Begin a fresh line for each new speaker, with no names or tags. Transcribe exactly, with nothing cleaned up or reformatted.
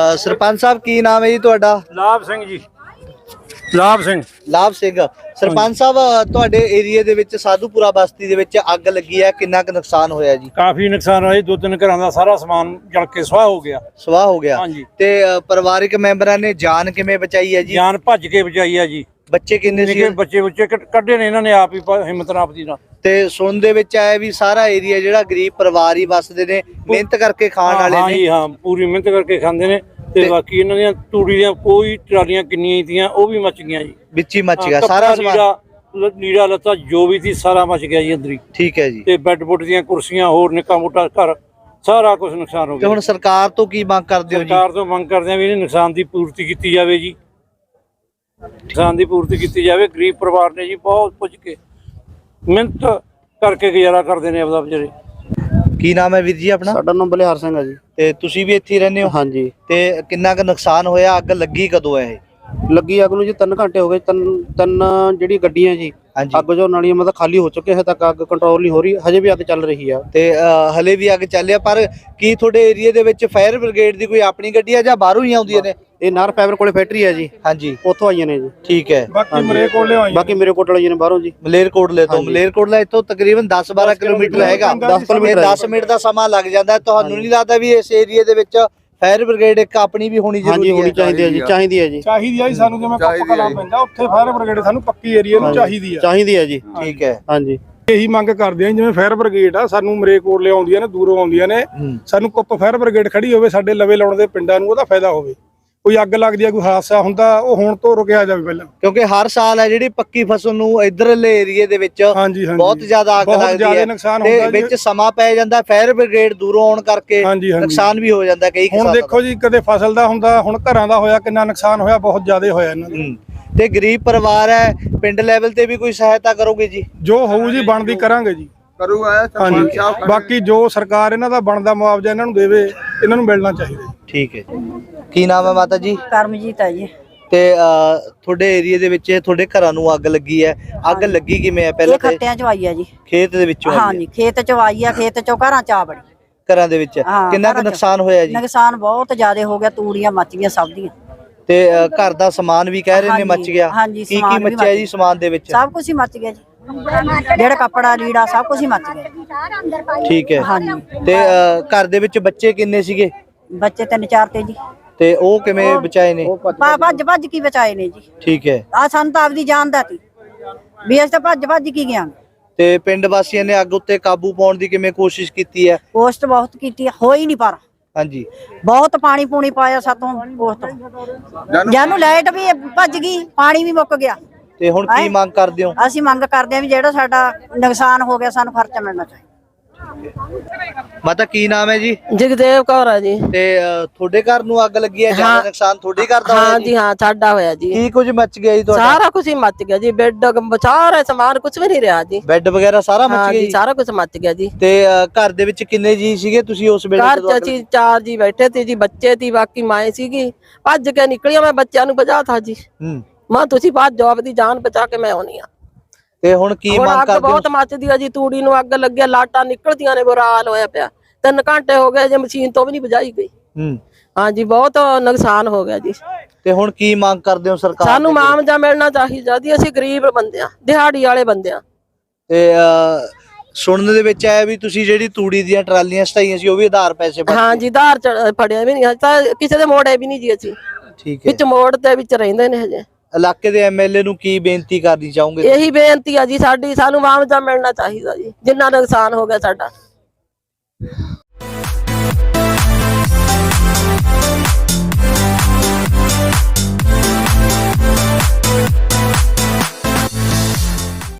ਸਰਪੰਚ ਸਾਹਿਬ ਕੀ ਨਾਮ ਹੈ ਜੀ ਤੁਹਾਡਾ?
ਲਾਭ ਸਿੰਘ ਜੀ। ਲਾਭ ਸਿੰਘ
ਲਾਭ ਸਿੰਘ। ਸਰਪੰਚ ਸਾਹਿਬ ਤੁਹਾਡੇ ਏਰੀਆ ਦੇ ਵਿੱਚ ਸਾਧੂਪੁਰਾ ਬਸਤੀ ਦੇ ਵਿੱਚ ਅੱਗ ਲੱਗੀ ਹੈ, ਕਿੰਨਾ ਕੁ ਨੁਕਸਾਨ ਹੋਇਆ ਜੀ?
ਕਾਫੀ ਨੁਕਸਾਨ ਹੋਇਆ, ਦੋ ਤਿੰਨ ਘਰਾਂ ਦਾ ਸਾਰਾ ਸਮਾਨ ਜਲ ਕੇ ਸੁਆਹ ਹੋ ਗਿਆ।
ਸਵਾਹ ਹੋ ਗਿਆ।
ਹਾਂਜੀ।
ਤੇ ਅ, ਪਰਿਵਾਰਿਕ ਮੈਂਬਰਾਂ ਨੇ ਜਾਨ ਕਿਵੇਂ ਬਚਾਈ ਹੈ ਜੀ?
ਜਾਨ ਭੱਜ ਕੇ ਬਚਾਈ ਆ ਜੀ।
ਬੱਚੇ ਕਿੰਨੇ ਸੀ?
ਨਿੱਕੇ ਬੱਚੇ ਬੱਚੇ ਕੱਢੇ ਨੇ ਇਹਨਾਂ ਨੇ ਆਪ ਹੀ ਪ- ਹਿੰਮਤ ਨਾਲ ਆਪਦੀ ਨਾਲ।
ਤੇ ਸੁਣ ਦੇ ਵਿੱਚ ਆਇਆ ਵੀ ਸਾਰਾ ਏਰੀਆ ਜਿਹੜਾ ਗਰੀਬ ਪਰਿਵਾਰ ਹੀ ਵੱਸਦੇ ਨੇ, ਮਿਹਨਤ ਕਰਕੇ ਖਾਣ ਵਾਲੇ
ਹਾਂ
ਨੇ।
ਜੀ ਹਾਂ, ਪੂਰੀ ਮਿਹਨਤ ਕਰਕੇ ਖਾਂਦੇ ਨੇ। ਤੇ
ਤੇ-
ਬਾਕੀ ਇਹਨਾਂ ਦੀਆਂ ਤੂੜੀ ਦੀਆਂ ਕੋਈ ਟਰਾਲੀਆਂ ਕਿੰਨੀਆਂ ਹੀ ਤੀਆਂ ਉਹ ਵੀ ਮੱਚ ਗਈਆਂ ਜੀ।
ਵਿੱਚ ਹੀ ਮੱਚ
ਹਾਂ,
ਗਿਆ ਸਾਰਾ
ਕੱਪੜਾ,
ਸਮਾਨ।
ਲੀੜਾ ਲ- ਲੀੜਾ ਲੱਤਾ ਜੋ ਵੀ ਸੀ ਸਾਰਾ ਮੱਚ ਗਿਆ ਜੀ ਅੰਦਰ ਹੀ।
ਠੀਕ ਹੈ ਜੀ।
ਤੇ ਬੈੱਡ ਬੁੱਡ ਦੀਆਂ ਕੁਰਸੀਆਂ ਹੋਰ ਨਿੱਕਾ ਮੋਟਾ ਘਰ ਸਾਰਾ ਕੁਝ ਨੁਕਸਾਨ ਹੋ
ਤੇ
ਗਿਆ।
ਹੁਣ ਸਰਕਾਰ ਤੋਂ ਕੀ ਮੰਗ ਕਰਦੇ ਹੋ ਜੀ?
ਸਰਕਾਰ ਤੋਂ ਮੰਗ ਕਰਦੇ ਆ ਵੀ ਇਹਨੇ ਨੁਕਸਾਨ ਦੀ ਪੂਰਤੀ ਕੀਤੀ ਜਾਵੇ ਜੀ। ਨੁਕਸਾਨ ਦੀ ਪੂਰਤੀ ਕੀਤੀ ਜਾਵੇ। ਗਰੀਬ ਪਰਿਵਾਰ ਨੇ ਜੀ ਬਹੁਤ ਪੁੱਜ ਕੇ ਮਿਹਨਤ ਕਰਕੇ ਗੁਜ਼ਾਰਾ ਕਰਦੇ ਨੇ ਆਪਦਾ ਵਿਚਾਰੇ।
ਕੀ ਨਾਮ ਹੈ ਵੀਰ ਜੀ ਆਪਣਾ?
ਸਾਡਾ ਨਾਮ ਬਲਿਹਾਰ ਸਿੰਘ ਹੈ ਜੀ।
ਤੇ ਤੁਸੀਂ ਵੀ ਇੱਥੇ ਹੀ ਰਹਿੰਦੇ ਹੋ?
ਹਾਂਜੀ।
ਤੇ ਕਿੰਨਾ ਕੁ ਨੁਕਸਾਨ ਹੋਇਆ? ਅੱਗ ਲੱਗੀ ਕਦੋਂ ਹੈ ਇਹ?
ਲੱਗੀ ਅੱਗ ਨੂੰ ਜੀ ਤਿੰਨ ਘੰਟੇ ਹੋ ਗਏ। ਤਿੰਨ ਤਿੰਨ ਜਿਹੜੀ ਗੱਡੀਆਂ ਜੀ
ਹਾਂਜੀ।
ਅੱਗ ਜੋ ਨਾਲੀਆਂ ਮਤਲਬ ਖਾਲੀ ਹੋ ਚੁੱਕੇ, ਹਜੇ ਤੱਕ ਅੱਗ ਕੰਟਰੋਲ ਨਹੀਂ ਹੋ ਰਹੀ, ਹਜੇ ਵੀ ਅੱਗ ਚੱਲ ਰਹੀ ਆ।
ਤੇ ਅ, ਹਲੇ ਵੀ ਅੱਗ ਚੱਲਿਆ। ਪਰ ਕੀ ਤੁਹਾਡੇ ਏਰੀਆ ਦੇ ਵਿੱਚ ਫਾਇਰ ਬ੍ਰਿਗੇਡ ਦੀ ਕੋਈ ਆਪਣੀ ਗੱਡੀ ਆ ਜਾਂ ਬਾਹਰੋਂ ਹੀ ਆਉਂਦੀਆਂ ਨੇ?
ਇਹ ਨਾਰ ਫਾਈਬਰ ਕੋਲੇ ਫੈਕਟਰੀ ਹੈ ਜੀ,
ਹਾਂਜੀ,
ਉੱਥੋਂ ਆਈਆਂ ਨੇ ਜੀ।
ਠੀਕ ਹੈ।
ਬਾਕੀ ਮਰੇ ਕੋਲ ਲਿਆਈਆਂ।
ਬਾਕੀ ਮੇਰੇ ਕੋਲ ਵਾਲੀਆਂ ਨੇ ਬਾਹਰੋਂ ਜੀ।
ਮਲੇਰਕੋਟਲੇ ਤੋਂ? ਮਲੇਰਕੋਟਲਾ ਇੱਥੋਂ ਤਕਰੀਬਨ ਦਸ ਬਾਰਾਂ ਕਿਲੋਮੀਟਰ ਹੈਗਾ।
ਦਸ ਕਿਲੋਮੀਟਰ।
ਦਸ ਮਿੰਟ ਦਾ ਸਮਾਂ ਲੱਗ ਜਾਂਦਾ। ਤੁਹਾਨੂੰ ਨਹੀਂ ਲੱਗਦਾ ਵੀ ਇਸ ਏਰੀਆ ਦੇ ਵਿੱਚ ਫਾਇਰ ਬ੍ਰਿਗੇਡ ਇੱਕ ਆਪਣੀ ਵੀ ਹੋਣੀ
ਹਾਂਜੀ,
ਜ਼ਰੂਰੀ
ਹੋਣੀ
ਹੈ?
ਚਾਹੀਦੀ ਹੈ ਜੀ, ਚਾਹੀਦੀ ਹੈ ਜੀ,
ਚਾਹੀਦੀ ਆ ਜੀ ਸਾਨੂੰ। ਜਿਵੇਂ ਕੱਪ ਕਲਾ ਪੈਂਦਾ ਉੱਥੇ ਫਾਇਰ ਬ੍ਰਿਗੇਡ ਸਾਨੂੰ ਪੱਕੀ ਏਰੀਆ ਨੂੰ ਚਾਹੀਦੀ ਆ।
ਚਾਹੀਦੀ ਹੈ ਜੀ।
ਠੀਕ ਹੈ।
ਹਾਂਜੀ।
ਇਹੀ ਮੰਗ ਕਰਦੇ ਆ ਜਿਵੇਂ ਫਾਇਰ ਬ੍ਰਿਗੇਡ ਆ ਸਾਨੂੰ ਮਰੇ ਕੋਲ ਲਿਆਉਂਦੀਆਂ ਨੇ, ਦੂਰੋਂ ਆਉਂਦੀਆਂ ਨੇ।
ਹੂੰ।
ਸਾਨੂੰ ਕੁੱਪ ਫਾਇਰ ਬ੍ਰਿਗੇਡ ਖੜੀ ਹੋਵੇ ਸਾਡੇ ਲਵੇ ਲਾਉਣ ਦੇ ਪਿੰਡਾਂ ਨੂੰ, ਉਹਦਾ ਫਾਇਦਾ ਹੋਵੇ। ਕੋਈ ਅੱਗ ਲੱਗਦੀ ਆ, ਕੋਈ ਹਾਦਸਾ ਹੁੰਦਾ, ਉਹ ਹੁਣ ਤੋਂ ਰੁਕਿਆ ਜਾਵੇ ਪਹਿਲਾਂ।
ਕਿਉਂਕਿ ਹਰ ਸਾਲ ਹੈ ਜਿਹੜੀ ਪੱਕੀ ਫਸਲ ਨੂੰ ਇਧਰਲੇ ਏਰੀਏ ਦੇ ਵਿੱਚ
ਹਾਂਜੀ ਹਾਂਜੀ
ਬਹੁਤ ਜ਼ਿਆਦਾ ਅੱਗ
ਬਹੁਤ
ਲੱਗਦੀ
ਜ਼ਿਆਦਾ
ਹੈ
ਨੁਕਸਾਨ
ਤੇ
ਹੁੰਦਾ ਜੀ।
ਵਿੱਚ ਸਮਾਂ ਪੈ ਜਾਂਦਾ। ਫਾਇਰ ਬ੍ਰਿਗੇਡ ਦੂਰੋਂ ਆਉਣ ਕਰਕੇ
ਹਾਂਜੀ, ਹਾਂਜੀ।
ਨੁਕਸਾਨ ਵੀ ਹੋ ਜਾਂਦਾ ਕਈ
ਹੁਣ
ਕਿਸਾਨਾਂ
ਦੇਖੋ ਜੀ, ਕਦੇ ਫਸਲ ਦਾ ਹੁੰਦਾ, ਹੁਣ ਘਰਾਂ ਦਾ ਹੋਇਆ, ਕਿੰਨਾ ਨੁਕਸਾਨ ਹੋਇਆ, ਬਹੁਤ ਜ਼ਿਆਦਾ ਹੋਇਆ ਇਹਨਾਂ ਦਾ।
ਹੂੰ। ਤੇ ਗਰੀਬ ਪਰਿਵਾਰ ਹੈ, ਪਿੰਡ ਲੈਵਲ ਤੇ ਵੀ ਕੋਈ ਸਹਾਇਤਾ ਕਰੋਗੇ ਜੀ?
ਜੋ ਹੋਊ ਜੀ ਬਣਦੀ ਕਰਾਂਗੇ ਜੀ।
ਕਰੂਗਾ।
ਹਾਂਜੀ। ਬਾਕੀ ਜੋ ਸਰਕਾਰ ਇਹਨਾਂ ਦਾ ਬਣਦਾ ਮੁਆਵਜ਼ਾ ਇਹਨਾਂ ਨੂੰ ਦੇਵੇ, ਇਹਨਾਂ ਨੂੰ ਮਿਲਣਾ ਚਾਹੀਦਾ।
ਠੀਕ ਹੈ ਜੀ। ਕੀ ਨਾਮ ਹੈ ਮਾਤਾ ਜੀ?
ਕਰਮਜੀਤ ਹੈ ਜੀ।
ਤੇ ਅ, ਤੁਹਾਡੇ ਏਰੀਆ ਦੇ ਵਿੱਚ ਤੁਹਾਡੇ ਘਰਾਂ ਨੂੰ ਅੱਗ ਲੱਗੀ ਹੈ। ਅੱਗ ਲੱਗੀ ਕਿਵੇਂ ਹੈ?
ਇਹ
ਪਹਿਲਾਂ ਤੇ
ਖੱਤਿਆਂ ਚ ਆਈ ਆ ਜੀ।
ਖੇਤ ਦੇ ਵਿੱਚੋਂ ਆਈ ਹੈ?
ਹਾਂਜੀ, ਖੇਤ ਚ ਆਈ ਆ, ਖੇਤ ਚੋਂ ਘਰਾਂ ਚ ਆ ਬੜੀ।
ਘਰਾਂ ਦੇ ਵਿੱਚ
ਹਾਂ,
ਕਿੰਨਾ ਕੁ
ਘਰਾਂ 'ਚ।
ਨੁਕਸਾਨ ਹੋਇਆ ਜੀ?
ਨੁਕਸਾਨ ਬਹੁਤ ਜ਼ਿਆਦਾ ਹੋ ਗਿਆ, ਤੂੜੀਆਂ ਮੱਚ ਗਈਆਂ ਸਭ ਦੀਆਂ।
ਤੇ ਅ, ਘਰ ਦਾ ਸਮਾਨ ਵੀ ਕਹਿ ਰਹੇ ਨੇ
ਹਾਂਜੀ,
ਮੱਚ ਗਿਆ।
ਹਾਂਜੀ,
ਕੀ ਕੀ
ਸਮਾਨ ਵੀ
ਮੱਚਿਆ
ਮੱਚ
ਜੀ ਸਮਾਨ ਦੇ ਵਿੱਚ?
ਸਭ ਕੁਝ ਹੀ ਮੱਚ ਗਿਆ ਜੀ। ਜਿਹੜਾ ਕੱਪੜਾ ਲੀੜਾ ਸਭ ਕੁਝ ਹੀ ਮੱਚ ਗਿਆ।
ਠੀਕ ਹੈ।
ਹਾਂਜੀ।
ਤੇ ਅ, ਘਰ ਦੇ ਵਿੱਚ ਬੱਚੇ ਕਿੰਨੇ ਸੀਗੇ?
ਬੱਚੇ ਤਿੰਨ ਚਾਰ ਤੇ ਜੀ।
ਤੇ ਉਹ ਕਿਵੇਂ ਬਚਾਏ ਨੇ?
ਭਾ- ਭੱਜ ਭੱਜ ਕੀ ਬਚਾਏ ਨੇ ਜੀ।
ਠੀਕ ਹੈ।
ਆ ਸਾਨੂੰ ਤਾਂ ਆਪਦੀ ਜਾਨ ਦਾ ਸੀ ਵੀ ਅਸੀਂ ਤਾਂ ਭੱਜ ਭੱਜ ਕੀ ਗਿਆ।
ਤੇ ਪਿੰਡ ਵਾਸੀਆਂ ਨੇ ਅੱਗ ਉੱਤੇ ਕਾਬੂ ਪਾਉਣ ਦੀ ਕਿਵੇਂ ਕੋਸ਼ਿਸ਼ ਕੀਤੀ ਹੈ?
ਕੋਸ਼ਟ ਬਹੁਤ ਕੀਤੀ ਆ, ਹੋਈ ਨਹੀਂ ਪਰ
ਹਾਂਜੀ।
ਬਹੁਤ ਪਾਣੀ ਪੂਣੀ ਪਾਇਆ ਸਾਤੋਂ ਕੋਸ਼ਟ। ਜਾਨੂੰ ਲਾਈਟ ਵੀ ਭੱਜ ਗਈ, ਪਾਣੀ ਵੀ ਮੁੱਕ ਗਿਆ।
ਤੇ ਹੁਣ ਕੀ ਮੰਗ ਕਰਦੇ ਹੋ?
ਅਸੀਂ ਮੰਗ ਕਰਦੇ ਹਾਂ ਵੀ ਜਿਹੜਾ ਸਾਡਾ ਨੁਕਸਾਨ ਹੋ ਗਿਆ ਸਾਨੂੰ ਖਰਚਾ ਮਿਲਣਾ ਚਾਹੀਦਾ।
ਮਾਤਾ ਕੀ ਨਾਮ ਹੈ ਜੀ?
ਜਗਦੇਵ ਕੌਰ ਆ ਜੀ।
ਤੇ ਅ, ਤੁਹਾਡੇ ਘਰ ਨੂੰ ਅੱਗ ਲੱਗੀ ਹੈ? ਜਿਆਦਾ
ਹਾਂ।
ਨੁਕਸਾਨ ਤੁਹਾਡੇ ਘਰ ਦਾ ਹੋਇਆ
ਹਾਂ
ਜੀ?
ਜੀ ਹਾਂ, ਸਾਡਾ ਹੋਇਆ ਜੀ।
ਕੀ ਕੁਝ ਮੱਚ ਗਿਆ ਜੀ ਤੁਹਾਡਾ?
ਸਾਰਾ ਕੁਝ ਹੀ ਮੱਚ ਗਿਆ ਜੀ। ਬੈੱਡ ਸਾਰਾ ਸਮਾਨ ਕੁਝ ਵੀ ਨਹੀਂ ਰਿਹਾ ਜੀ।
ਬੈੱਡ ਵਗੈਰਾ ਸਾਰਾ
ਹਾਂ
ਮੱਚ ਗਿਆ
ਜੀ,
ਜੀ?
ਸਾਰਾ ਕੁਝ ਮੱਚ ਗਿਆ ਜੀ।
ਤੇ ਅ, ਘਰ ਦੇ ਵਿੱਚ ਕਿੰਨੇ ਜੀ ਸੀਗੇ ਤੁਸੀਂ ਉਸ ਵੇਲੇ
ਘਰ
ਜਦੋਂ
ਚ
ਅੱਗ
ਅਸੀਂ ਚਾਰ ਜੀ ਬੈਠੇ ਤੇ ਜੀ, ਬੱਚੇ ਤੀ, ਬਾਕੀ ਮਾਏ ਸੀਗੀ। ਭੱਜ ਕੇ ਨਿਕਲੀਆਂ, ਮੈਂ ਬੱਚਿਆਂ ਨੂੰ ਬਚਾ ਤਾ ਜੀ।
ਹੂੰ।
ਮਾਂ ਤੁਸੀਂ ਭੱਜ ਜਾਓ, ਆਪਦੀ ਜਾਨ ਬਚਾ ਕੇ ਮੈਂ ਆਉਣੀ ਆ।
ਤੇ ਹੁਣ ਕੀ
ਹੁਣ
ਮੰਗ
ਅੱਗ
ਕਰਦੇ ਹੋ?
ਬਹੁਤ ਮੱਚਦੀ ਆ ਜੀ, ਤੂੜੀ ਨੂੰ ਅੱਗ ਲੱਗਿਆ, ਲਾਟਾਂ ਨਿਕਲਦੀਆਂ ਨੇ, ਬੁਰਾ ਹਾਲ ਹੋਇਆ ਪਿਆ। ਤਿੰਨ ਘੰਟੇ ਹੋ ਗਏ ਜੇ ਮਸ਼ੀਨ ਤੋਂ ਵੀ ਨਹੀਂ ਬੁਝਾਈ ਗਈ।
ਹੂੰ।
ਹਾਂ ਜੀ, ਬਹੁਤ ਨੁਕਸਾਨ ਹੋ ਗਿਆ ਜੀ।
ਤੇ ਹੁਣ ਕੀ ਮੰਗ ਕਰਦੇ ਹੋ ਸਰਕਾਰ
ਸਾਨੂੰ
ਦੇ?
ਮੁਆਵਜ਼ਾ ਮਿਲਣਾ ਚਾਹੀਦਾ ਜੀ। ਅਸੀਂ ਗਰੀਬ ਬੰਦੇ ਆ, ਦਿਹਾੜੀ ਵਾਲੇ ਬੰਦੇ ਆ।
ਤੇ ਅ, ਸੁਣਨ ਦੇ ਵਿੱਚ ਆਇਆ ਵੀ ਤੁਸੀਂ ਜਿਹੜੀ ਤੂੜੀ ਦੀਆਂ ਟਰਾਲੀਆਂ ਸਟਾਈਆਂ ਸੀ ਉਹ ਵੀ ਆਧਾਰ ਪੈਸੇ ਭਰ
ਹਾਂ ਜੀ, ਧਾਰ ਚ ਫੜਿਆ ਵੀ ਨਹੀਂ ਹਜੇ ਤਾਂ, ਕਿਸੇ ਦੇ ਮੋੜੇ ਵੀ ਨਹੀਂ ਜੀ ਅਸੀਂ।
ਠੀਕ ਹੈ।
ਵਿੱਚ ਮੋੜ ਦੇ ਵਿੱਚ ਰਹਿੰਦੇ ਨੇ ਹਜੇ।
ਇਲਾਕੇ ਦੇ ਐਮਐਲਏ ਨੂੰ ਕੀ ਬੇਨਤੀ ਕਰਨੀ ਚਾਹੋਗੇ?
ਇਹੀ ਬੇਨਤੀ ਆ ਜੀ ਸਾਡੀ, ਸਾਨੂੰ ਮੁਆਵਜ਼ਾ ਮਿਲਣਾ ਚਾਹੀਦਾ ਜੀ, ਜਿੰਨਾ ਨੁਕਸਾਨ ਹੋ ਗਿਆ ਸਾਡਾ।